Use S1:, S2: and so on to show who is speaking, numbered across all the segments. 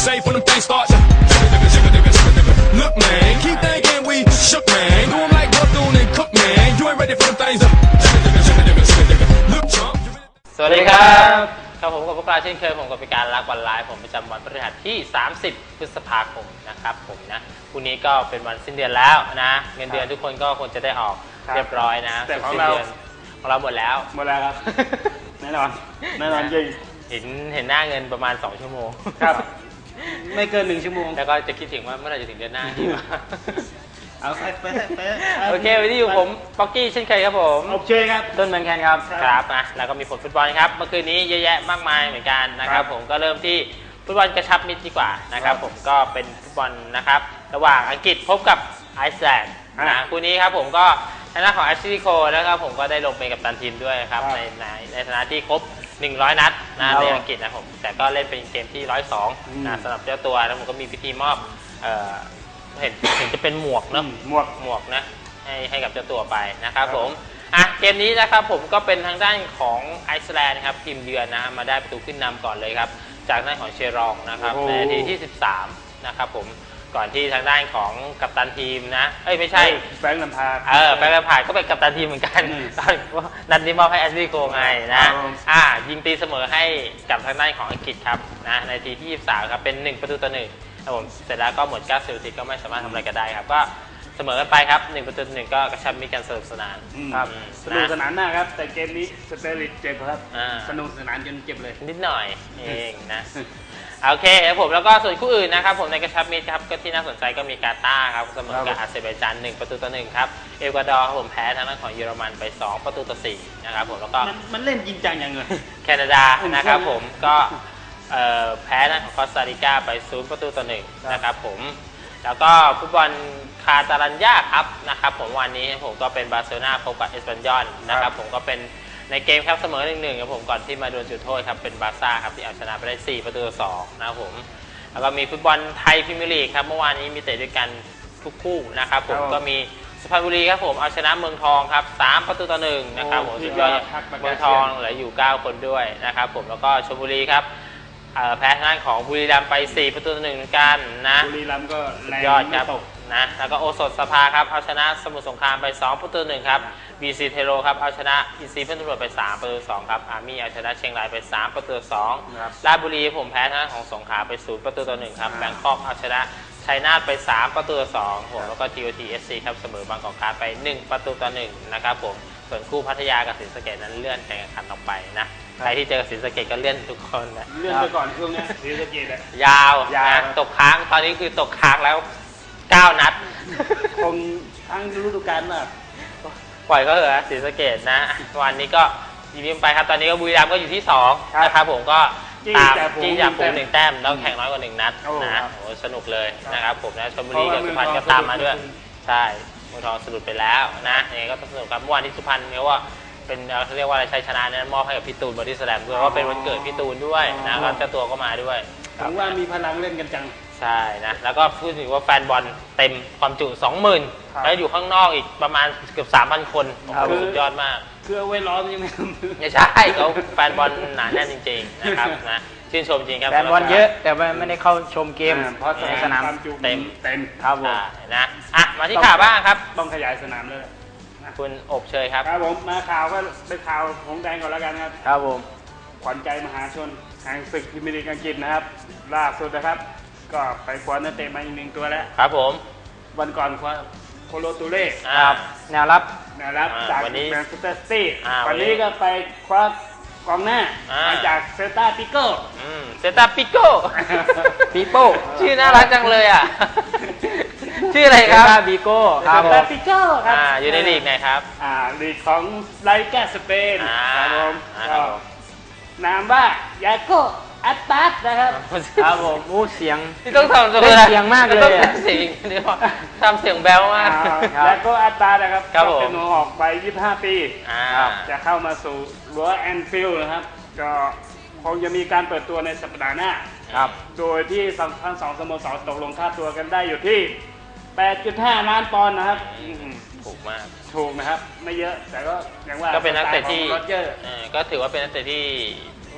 S1: safe when them things start. Look, man, keep thinking we shook, man. Do 'em like Bethune and Cook, man. You ain't ready for them things. Look, chump.
S2: สวัสดีครับครับผมกับพวกเราเช่นเคยผมกับพิการรักวันไลฟ์ผมประจำวันพฤหัสที่30พฤษภาคมนะครับผมนะพรุ่งนี้ก็เป็นวันสิ้นเดือนแล้วนะเงินเดือนทุกคนก็คงจะได้ออกเรียบร้อยนะแต่ของเราหมดแล้ว
S3: ครับแน่นอนจริง
S2: เห็นหน้าเงินประมาณ2 ชั่วโมง
S3: ครับไม่เกิน1 ชั่วโมง
S2: แล้วก็จะคิดถึงว่าเมื่อไหร่จะถึงเดือนหน้าที่มา
S3: เอาไป
S2: โอเควันนี้อยู่ผมป๊อกกี้เช่นเคยครับผม
S3: โอเคครับ
S2: ต้นเหมือนกันครับนะแล้วก็มีผลฟุตบอลครับเมื่อคืนนี้เยอะแยะมากมายเหมือนกันนะครับผมก็เริ่มที่ฟุตบอลกระชับมิตรดีกว่านะครับผมก็เป็นฟุตบอลนะครับระหว่างอังกฤษพบกับไอซ์แลนด์นะคู่นี้ครับผมก็ทางด้านของแอชลีย์โคลนะครับผมก็ได้ลงเป็นกัปตันทีมด้วยครับในฐานะที่ครบ100 นัดนะในอังกฤษนะผมแต่ก็เล่นเป็นเกมที่102นะสำหรับเจ้าตัวแล้วผมก็มีพิธีมอบเห็นจะเป็นหมวกเนาะหมวกนะให้กับเจ้าตัวไปนะครับผมเกมนี้นะครับผมก็เป็นทางด้านของไอซ์แลนด์ครับทีมเยือนนะมาได้ประตูขึ้นนำก่อนเลยครับจากด้านของเชรองนะครับในนาทีที่13นะครับผมก่อนที่ทางด้านของกัปตันทีมนะไม่ใช่
S3: แฟรงค์ แลมพาร์ด
S2: แฟรงค์ แลมพาร์ดก็เป็นกัปตันทีมเหมือนกันนัดนี้มอบให้แอชลีย์โคลไงนะยิงตีเสมอให้กับทางด้านของอังกฤษครับนะในนาทีที่23ครับเป็น1-1ครับผมเสร็จแล้วก็หมด90 นาทีก็ไม่สามารถทำอะไรกันได้ครับก็เสมอกันไปครับ1-1ก็กระชับมิตรกันสนุกสนาน
S3: ครับสนุกสนานมากครับแต่เกมนี้สเตอริชเจ็บครับสนุกสนานจนเจ็บเลย
S2: นิดหน่อยเองนะโอเคครับผมแล้วก็ส่วนคู่อื่นนะครับผมในกระชับมิตรครับก็ที่น่าสนใจก็มีกาตาร์ครับเสมอกับอาเซอร์ไบจาน1-1ครับเอกวาดอร์ผมแพ้ทางด้านของเยอรมันไป2-4นะครับผมแล้วก็
S3: มันเล่นจริงจังอย่างเงี้ย
S2: แคนาดานะครับผมก็แพ้ทางของคอสตาริกาไป0-1นะครับผมแล้วก็ฟุตบอลคาตาลัญญาครับนะครับผมวันนี้ผมก็เป็นบาร์เซโลนาพบกับเอสปันยอลนะครับผมก็เป็นในเกมครับเสมอ1-1ครับผมก่อนที่มาโดนจุดโทษครับเป็นบาร์ซ่าครับที่เอาชนะไปได้4-2นะครับผมแล้วก็มีฟุตบอลไทยพรีเมียร์ลีกครับเมื่อวานนี้มีเตะด้วยกันทุกคู่นะครับผมก็มีสุพรรณบุรีครับผมเอาชนะเมืองทองครับ3-1นะครับผมสุดยอดเมืองทองเหลืออยู่9 คนด้วยนะครับผมแล้วก็ชลบุรีครับแพ้ทางด้านของบุรีรัมย์ไป4-1เหมือนกันนะ
S3: บุรีรัมย์ก็แรง
S2: ยอดครับนะแล้วก็โอสถสภาครับเอาชนะสมุทรสงครามไป2-1ครับบีซีเทโรครับเอาชนะอินซีเพื่อนตำรวจไป3-2ครับอาร์มี่เอาชนะเชียงรายไป3-2ราชบุรีผมแพ้ทางด้านของสงขลาไป0-1ครับแบงคอกเอาชนะชัยนาทไป3-2ผมแล้วก็ TOTSC ครับเสมอบางกอกคาไป1-1นะครับผมส่วนคู่พัทยากับศรีสะเกษนั้นเลื่อนแข่งขันออกไปนะใครที่เจอศรีสะเกษก็เลื่อนทุกคนนะ
S3: เลื่อนไปก่อนช่วงนี้ศรีสะเกษ
S2: ยาวนะตกค้างตอนนี้คือตกค้างแล้ว9 นัด
S3: คงทั้งฤดูกาลน่ะ
S2: ปล่อยก็เหรอศรีสะเกษนะวันนี้ก็ยิ้มไปครับตอนนี้ก็บุรีรัมย์ก็อยู่ที่2นะครับผมก็ตามจี้จากฝูง1 แต้มแล้วแข่งน้อยกว่า1 นัดนะโอ้สนุกเลยนะครับผมนะชลบุรีกับสุพรรณก็ตามมาด้วยใช่เมืองทองสะดุดไปแล้วนะยังไงก็ต้องสนุกครับเมื่อวานที่สุพรรณเนี่ยว่าเป็นเขาเรียกว่าอะไรชัยชนะนั้นมอบให้กับพี่ตูนบอดี้สแลมด้วยว่าเป็นวันเกิดพี่ตูนด้วยนะก็เจ้าตัวก็มาด้วย
S3: ถึงว่ามีพลังเล่นกันจัง
S2: ใช่นะแล้วก็พูดถึงว่าแฟนบอลเต็มความจุ 20,000 แล้วอยู่ข้างนอกอีกประมาณเกือบ 3,000 คนสุดยอดมาก
S3: คือเอาไว้ล้อมยัง
S2: ไม่ใช่เขาแฟนบอลหนาแน่นจริงๆนะครับนะชื่นชมจริงครับ
S4: แฟนบอลเยอะแต่ไม่ได้เข้าชมเกมเพราะสนาม
S2: เต็ม
S4: ครับผม
S2: นะมาที่ข่าวบ้างครับ
S3: ต้องขยายสนามเลย
S2: คุณอบเชยครับ
S3: ครับผมมาข่าวก็ไปข่าวของแดงก่อนแล้วกันครับ
S4: ครับผม
S3: ขวัญใจมหาชนแห่งศึกพรีเมียร์ลีกอังกฤษนะครับล่าสุดนะครับก็ไปคว้านักเตะมาอีก1 ตัวแล้ว
S2: ครับผม
S3: วันก่อนคว้าโคโลตูเล่
S4: แนวรับ
S3: จากแมนเชสเตอร์ซิตี้วันนี้ก็ไปคว้ากองหน้ามาจากเซลตาปิโก้
S2: เซลตาปิโก้
S4: ปิโป้
S2: ชื่อน่ารักจังเลยอ่ะชื่ออะไรครับ
S4: เซลตาปิโก้
S3: ครับผมปิโก้ครับ
S2: อยู่ในลีกไหนครับ
S3: ลีกของไลกาสเปนครับผมนามว่ายาโกอัตตัสนะครับ
S4: ครับผมเสียง
S2: ที่ต้องทำ
S4: เสียงมากเลย
S2: เสียงเดี๋ยวทำเสียงแบ๊วมาก
S3: ยาโกอัตตัสนะครับเป็นหัวออกไป25 ปีจะเข้ามาสู่รั้วแอนฟิลด์นะครับก็คงจะมีการเปิดตัวในสัปดาห์หน้าโดยที่ทั้ง2 สโมสรตกลงค่าตัวกันได้อยู่ที่ 8.5 ล้านปอนด์นะครับ
S2: ถูกมาก
S3: ถูกนะครับไม่เยอะแต่ก็ยังว่า
S2: ก็เป็นนักเตะที่ก็ถือว่าเป็นนักเตะที่ไม่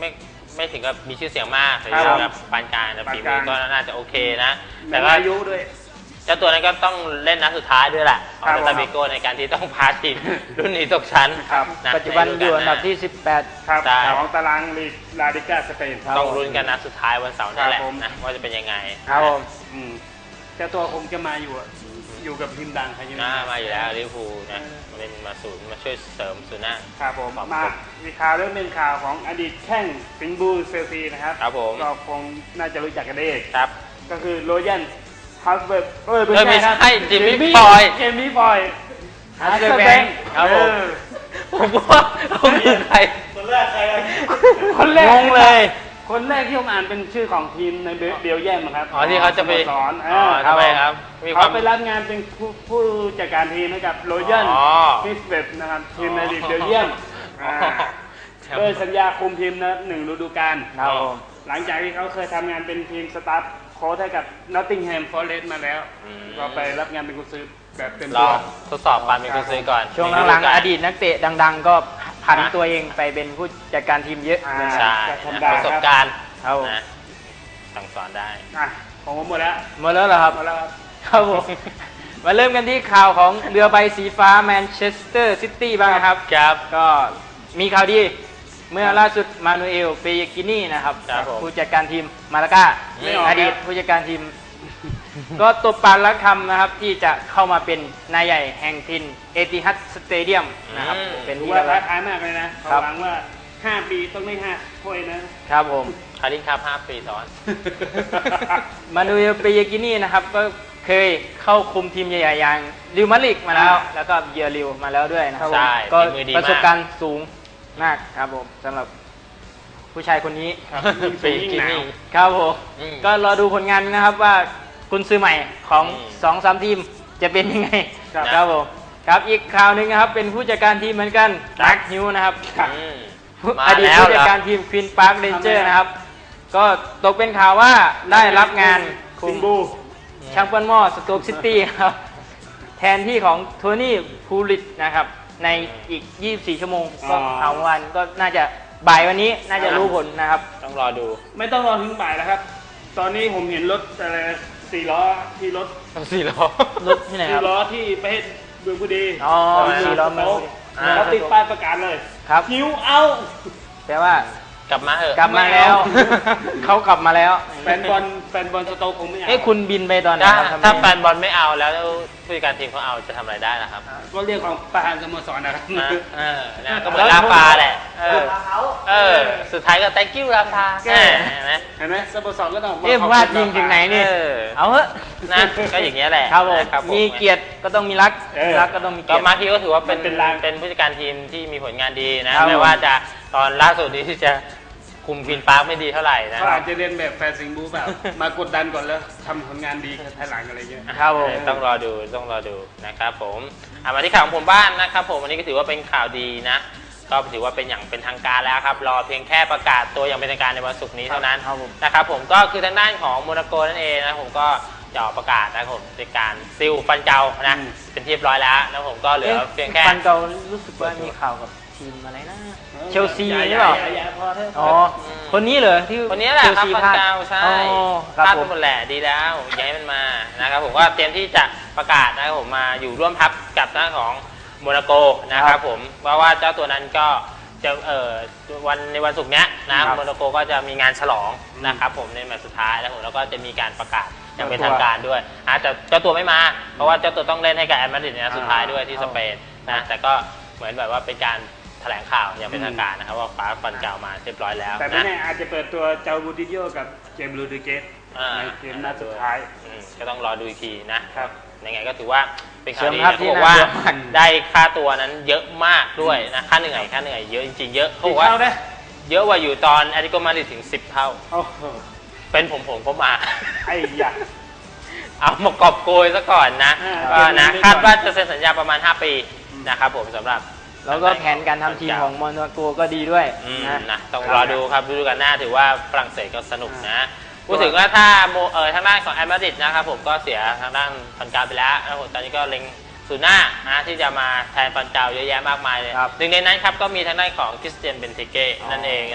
S2: ไม่ถึงกับมีชื่อเสียงมากหรือ
S3: ครับ
S2: แบบปานกลางแต่
S3: ปาน
S2: ฝี
S3: ก
S2: มื
S3: ลา
S2: อง ก็น่าจะโอเคนะ
S3: แต่
S2: แต่
S3: ว่า
S2: ว่า
S3: อายุด้วย
S2: เจ้าตัวนั้นก็ต้องเล่นนัดสุดท้ายด้วยแหละขอ
S3: ครั
S2: ง
S3: บ
S2: เซตาเบโกในการที่ต้องพาทีม รุ่นนี้ตกชั้น
S3: ครับ
S2: ะ
S4: ปัจจุบันอยู่อันดับ
S2: ใ
S4: ที่
S3: ครับ
S2: ใช่
S3: ของตารางลีกลาลิก้าสเปน
S2: ต้องลุ้นกันนัดสุดท้ายวันเสาร์นี่แหละ
S3: ครับผม
S2: นะว่าจะเป็นยังไง
S4: 18 ครับผม
S3: อืมเจ้าตัวคงจะมาอยู่อะอยู่กับทีมดังใครจะ
S2: น่ามาอยู่แล้วลิเวอร์พูลนะมาเป็นมาศูนย์มาช่วยเสริมศูนย์หน้า
S3: ครับผม
S2: ครับ
S3: มามีข่าวเรื่องหนึ่งข่าวของอดีตแข้งสิงห์บูเซลซีนะครับ
S2: ครับผม
S3: ก็คงน่าจะรู้จักกันได้
S2: ครับ
S3: ก็คือโรยันฮัสเบิร์ก
S2: ไม่ใช่
S3: ครับ
S2: จิมมี่ฟอย
S3: เจมี่ฟอย
S4: ฮัสเซอร์แบงค์
S2: ครับผม ผมว่าเขาคือใคร
S3: คนแรกใครคนแรก
S4: งงเลย
S3: คนแรกที่ผมอ่านเป็นชื่อของทีมในเบลเยียมครับ
S2: อ๋อที่เขาจะไป
S3: สโมสร
S2: อ๋อทำไมครับมีควา
S3: เขา
S2: ม
S3: ไปรับงานเป็นผู้จัดการทีมให้กับโรยัน
S2: อ๋อ
S3: ฮิสเบตนะครับทีมในลีกเบลเยียม
S2: อ๋อ
S3: โดยสัญญาคุมทีมนะ1 ฤดูกาล
S4: ครับผม
S3: หลังจากที่เขาเคยทำงานเป็นทีมสตาฟโค้ชให้กับนอตติงแฮมฟอเรสต์มาแล้ว
S2: อืม
S3: ก็ไปรับงานเป็นกุญซือแบบเต็ม
S2: ล
S3: ตั
S2: อ
S3: ว
S2: งทดสอบความเป็นกุญซือก่อน
S4: ช่วงหลังๆอดีตนักเตะดัง ๆ ก็ผันตัวเองไปเป็นผู้จัดการทีมเยอะ
S3: อ่า
S2: ใช่
S3: ธรรม
S2: นะ
S3: ดา
S2: ประสบการณ์
S4: ครับผม
S2: นะสั่งสอนได้
S3: อ่ะของผมหมดแล้ว
S4: หมดแล้วเหรอครับ
S3: หมดแล้วครับ
S4: ครับผม มาเริ่มกันที่ข่าวของเรือใบสีฟ้าแมนเชสเตอร์ซิตี้บ้างนะครับ
S2: ครับ
S4: ก็มีข่าวดีเมื่อล่าสุดมานูเอลเปยกินี่นะครับ
S2: ครับผม
S4: ผู้จัดการทีมมาลาก้า
S2: ไม่ออก
S4: อดีตผู้จัดการทีม ก็ตบปากรักคำนะครับที่จะเข้ามาเป็นนายใหญ่แห่งทินเอติฮัดสเตเดียมนะครับ เป็น
S3: ถือ
S4: ที่
S3: ว่า
S4: เรียบร้
S3: ท้า
S4: อย
S3: ทายมากเลยนะ
S4: ครั
S3: เขา
S4: บ
S3: หวังว่า 5 ปีต้องได้5ถ้วยนะ
S4: ครับผม
S2: คารินครับ5 ปีซ้อน
S4: มานูเอลเปยกินี่นะครับก็เคยเข้าคุมทีมใหญ่ๆอย่างริวมาดริดมาแล้ว แล้วก็เยอริวมาแล้วด้วยนะครับ
S2: ใช่
S4: ก็
S2: ฝีมือดีมาก
S4: ประสบการณ์สูงมากครับผมสำหรับผู้ชายคนนี้
S2: เปยกินี่
S4: ครับผม
S2: อืม
S4: ก็รอดูผลงานนะครับว่าคุณซื้อใหม่ของ
S2: อืม
S4: 2-3 ทีมจะเป็นยังไง
S3: ครับ
S4: ครับผมครับอีกข่าวหนึ่งนะครับเป็นผู้จัดการทีมเหมือนกัน
S2: ครับ
S4: แม็กฮิวนะครับ
S2: อืม
S4: อดีต
S2: มาแล้ว
S4: ผู้จัด
S2: เหรอ
S4: การทีมควีนพาร์คเรนเจอร์
S3: ทำไม
S4: นะครับ ก็ตกเป็นข่าวว่าได้รับงานคุ
S3: สิ
S4: ม
S3: งห์บู
S4: แชมเปี้ยนมอสโต๊กซิตี้ครับแทนที่ของโทนี่พูลิตนะครับในอีก 24 ชั่วโมงก็เอาวันก็น่าจะบ่ายวันนี้น่าจะรู้ผลนะครับ
S2: ต้องรอดู
S3: ไม่ต้องรอถึงบ่ายแล้วครับ ตอนนี้ผมเห็นรถอะไร4 ล้อที่รถ
S2: 4 ล้อ
S4: รถที่ไหนค
S3: 4
S4: รับ
S3: ล้อที่ประเทศเมืองบุรี
S4: อ๋อ
S3: 4
S4: 4 ล้อเมืองบุรี
S3: เขาติดป้ายประกาศเลย
S4: ครับ
S3: หิวเอา
S4: แปลว่าก
S2: ลับมาเถอะ
S4: กลับมาแล้ว
S3: ไม่เอา
S4: เขากลับมาแล้ว
S3: แฟนบอลสโต๊กคงไม่เอา
S4: เอ้คุณบินไปตอนไหน
S2: ถ้า
S4: ครับทำไม
S2: ถ้าแฟนบอลไม่เอาแล้วผู้จัดการทีมเขาเอาจะทำอะไรได้ล่ะครับ
S3: ก็เรียกของประธานสโมสรนะครับ
S2: นะนะก็เหมือนลาฟาแหละสุดท้ายก็ thank you ลาฟาเห็นไหม
S3: เห็นไหมสโมสรก็ต้อง
S4: เอ๊ะพลาดยิงถึงไหนนี่ เอาเถอะ
S2: นะก็อย่างเงี้ยแหละ
S4: ครับผม
S2: นะครับผม
S4: มีเกียรติก็ต้องมีรักมีรักก็ต้องมีเกี
S2: ก็
S4: ยรติ
S2: มาร์คิวก็ถือว่าเป็น
S3: เป็นราง
S2: เป็นผู้จัดการทีมที่มีผลงานดีนะ
S4: ครับ
S2: ไม่ว่าจะตอนล่าสุดนี้ที่จะคุมควีนพาร์คไม่ดีเท่าไหร่นะ
S3: เขาอาจจะเรียนแบบแฟนสิงห์บูแบบ มากดดันก่อนแล้วทำผลงานดีภายหลังอะไรเงี้ย
S4: ครับผม
S2: ต้องรอดูนะครับผมมาที่ข่าวของผมบ้านนะครับผมวันนี้ก็ถือว่าเป็นข่าวดีนะ ก็ถือว่าเป็นอย่างเป็นทางการแล้วครับรอเพียงแค่ประกาศตัวอย่างเป็นทางการในวันศุกร์นี้เท่านั้น
S4: ครับผม
S2: นะครับผมก็คือทางด้านของโมนาโกนั่นเองนะผมก็จะออกประกาศนะครับผมในการซิลฟันเจ้านะ
S3: อืม
S2: เป็นที่เรียบร้อยแล้วนะผมก็เหลือเพียงแค่
S4: ฟันเก่ารู้สึกว่ามีข่าวกับทีมอะไรนะ เชลซีหรือเปล่า
S3: ย่พอเถอะ
S4: อ๋อ คนนี้เหรอที่
S2: คนนี้แหละครับ
S4: เชลซี
S2: ฟัน
S4: พลาด
S2: เจ้าใช่
S4: อ๋อครับ
S2: พลาด
S4: ผ
S2: ไป
S4: ม
S2: หมดแหละดีแล้วอย่าให้มันมานะครับผมก็เตรียมที่จะประกาศนะครับผมมาอยู่ร่วมทัพกับทางด้านของโมนาโกนะครับผมเพราะว่าเจ้าตัวนั้นก็จะในวันศุกร์เนี้ยนะครับโมนาโกก็จะมีงานฉลองนะครับผมในแมตช์สุดท้ายแล้วผมแล้วก็จะมีการประกาศอย่างเป็นทางการด้วยแต่เจ้าตัวไม่มา เพราะว่าเจ้าตัวต้องเล่นให้กับแอตมาดริดในนัดสุดท้ายด้วยที่สเปนนะแต่ก็เหมือนแบบว่าเป็นการแถลงข่าวอย่างเป็นทางการนะครับว่าฟ้าฟันเก่ามาเรียบร้อยแล้ว
S3: แต่ไม่
S2: นะ
S3: แน่อาจจะเปิดตัวเจ้าบูติโยกับเจมส์ลูดิเกสในเกมนัดสุดท้าย
S2: ก็ต้องรอดูอีกทีนะครับ ยังไงก็ถือว่าเป็นข่าวดี
S4: เสริมทัพ
S2: นะ
S4: ที่
S2: เขาบอกว่า
S4: น่าเชื่อมั่น
S2: ได้ค่าตัวนั้นเยอะมากด้วยนะค่าเหนื่อยเยอะจริงๆเยอะเขาบอกว่า
S3: เท่าได้
S2: เยอะกว่าอยู่ตอนแอตเลติโกมาดริดถึง10 เท่า
S3: โอ้โห
S2: เป็นผมก็มา
S3: ไอ้ยะ
S2: เอามากอบโกยซะก่อนนะ
S3: อ่า
S2: ก็นะ
S3: เกมนี้
S2: คาดว่าจะเซ็นสัญญาประมาณ 5 ปีนะครับผมสำหรับ
S4: แล้วก็แผนการทำทีมของมอนโกก็ดีด้วย
S2: นะต้องรอดูครับฤดูกาลหน้าถือว่าฝรั่งเศสก็สนุกนะพูดถึงว่าถ้าทางด้านของแอตมาดริดนะครับผมก็เสียทางด้านฟันกาไปแล้วแล้วผมตอนนี้ก็เล็งศูนย์หน้านะที่จะมาแทนฟันเกาเยอะแยะมากมายเลย
S4: ครับ
S2: หนึ่งในนั้นครับก็มีทางด้านของคริสเตียนเบนเทเก้นั่นเองนะ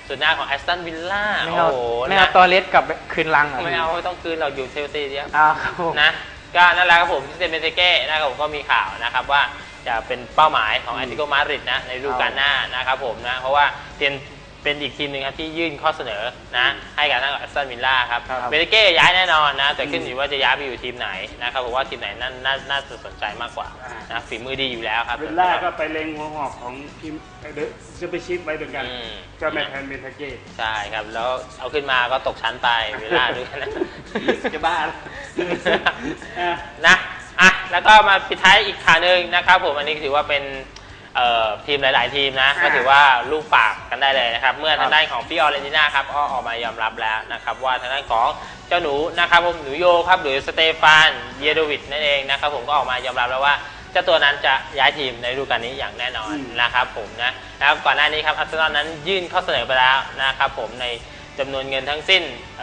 S2: ส่วนหน้าของแอสตันวิลล่า
S4: ไม่
S2: โอ้
S4: เอา
S2: โห
S4: ไม่เอา
S2: นะ
S4: ตอเลสกลับไปคืนลังหร
S2: ไม่เอาไม่ต้องคืนเราอยู่เชลซีเดียว
S4: ครับผม
S2: นะก็นั่นแหละครับผมที่เซนเบนเตเก้นะครับผมก็มีข่าวนะครับว่าจะเป็นเป้าหมายของแอตเลติโกมาดริดนะในฤดูกาลหน้านะครับผมนะเพราะว่าเป็นอีกทีมหนึ่งครับที่ยื่นข้อเสนอนะให้กับทางแอสตันวิลล่าครับ
S4: ครับ
S2: เบนเตเก้ย้ายแน่นอนนะแต่ขึ้นอยู่ว่าจะย้ายไปอยู่ทีมไหนนะครับผมว่าทีมไหนน่าจะสนใจมากกว่านะฝีมือดีอยู่แล้วครับ
S3: วิลล่าก็ไปเล็งหัวหอกของทีมเดอะซูเปอร์ชิพไว้เหมือนกันเจ้าแมทแทนเบนทาเก้
S2: ใช่ครับแล้วเอาขึ้นมาก็ตกชั้นไปวิลล่าด้วยนะ
S3: จะบ้าแล้ว
S2: นะอ่ะแล้วก็มาปิดท้ายอีกข่าวหนึ่งนะครับผมอันนี้ถือว่าเป็นทีมหลาย ๆ ทีมนะก็ถือว่าลูกปากกันได้เลยนะครับเมื่อทางด้านของฟิออเรนติน่าครับก็ออกมายอมรับแล้วนะครับว่าทางด้านของเจ้าหนูนะครับผมหนูโยครับหรือสเตฟานเยโดวิชนั่นเองนะครับผมก็ออกมายอมรับแล้วว่าเจ้าตัวนั้นจะย้ายทีมในฤดูกาลนี้อย่างแน่นอนนะครับผมนะครับก่อนหน้านี้ครับอาร์เซนอลนั้นยื่นข้อเสนอไปแล้วนะครับผมในจำนวนเงินทั้งสิ้น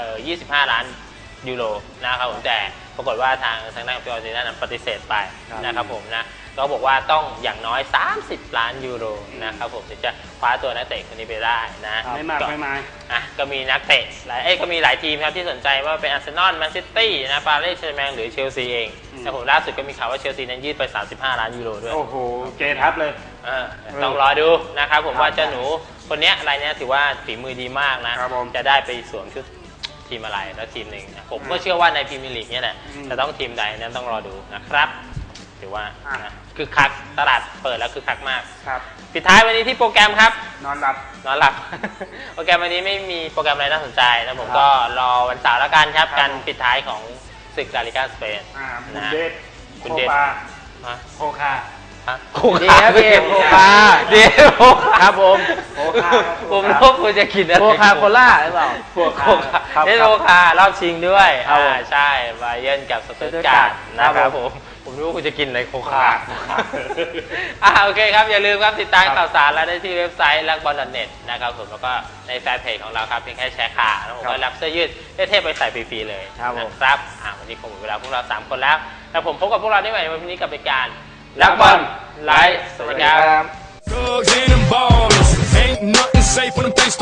S2: 25 ล้านยูโรนะครับผมแต่ปรากฏว่าทางด้านของฟิออเรนติน่านั้นปฏิเสธไปนะครับผมนะก็บอกว่าต้องอย่างน้อย30 ล้านยูโรนะครับผมถึงจะคว้าตัวนักเตะคนนี้ไปได้นะ
S3: ไม่มากไม่มาย
S2: ก็มีนักเตะก็มีหลายทีมครับที่สนใจว่าเป็นอาร์เซนอลแมนซิตี้นะปารีสแซงต์แชร์แมงหรือเชลซีเองแต่ผมล่าสุดก็มีข่าวว่าเชลซีนั้นยืดไป35 ล้านยูโรด้วย
S3: โอ้โหเกทับเลย
S2: ต้องรอดูนะครับผมว่าเจ้าหนูคนนี้รายนี้ถือว่าฝีมือดีมากนะครับ
S3: ผม
S2: จะได้ไปสวมชุดทีมอะไรแล้วทีมหนึ่งนะผมก็เชื่อว่าในพรีเมียร์ลีกเนี่ยแหละจะต้องทีมใดนั้นต้องรอดูนะครับถือว่านะคือคักตลาดเปิดแล้วคือคักมาก
S3: ครับ
S2: ปิดท้ายวันนี้ที่โปรแกรมครับ
S3: นอนหลับ
S2: นอนหลับ โปรแกรมวันนี้ไม่มีโปรแกรมอะไรน่าสนใจนะผมก็รอวันเสาร์แล้วกันครับ
S3: ครับ
S2: การปิดท้ายของศึกลาลิกาสเปน
S3: บุนเดส
S2: บุ
S3: โคน
S2: เดส
S3: ปา
S2: ฮะ
S3: โคคา
S2: ฮะ
S4: ดีครับพี่โคคา
S2: เดี๋ยว
S4: ครับผม
S3: โคคา
S2: ผมรู้ว่าคุณจะกินอะไร
S4: โคคาโคล่าหรือเปล่า
S2: โคคา
S4: ครับ
S2: เล่นโคคารอบชิงด้วย
S4: ครับผม
S2: ใช่ไบเยิร์นกับสตุตการ์ดนะค
S4: ครั
S2: รับบ
S4: ผม
S2: ผมรู้ว่าคุณจะกินอะไรโคคา
S3: โคคา
S2: โอเคครับ อย่าลืมครับติดตามข่าวสารเราได้ที่เว็บไซต์ลักบอลเน็ตนะครับผมแล้วก็ในแฟนเพจของเราครับเพียงแค่แชร์ข่าวแล้วผมก็รับเสื้อยืดเท่ๆไปใส่ฟรีๆเลย
S4: ครับผม
S2: นะครับวันนี้คงหมดเวลาพวกเรา3คนแล้วแล้วผมพบกับพวกเราได้ใหม่ในวันนี้กับรายการลักบอลไลฟ์สวัสดีครับ
S1: Thugs and them ballers. Ain't nothing safe when them things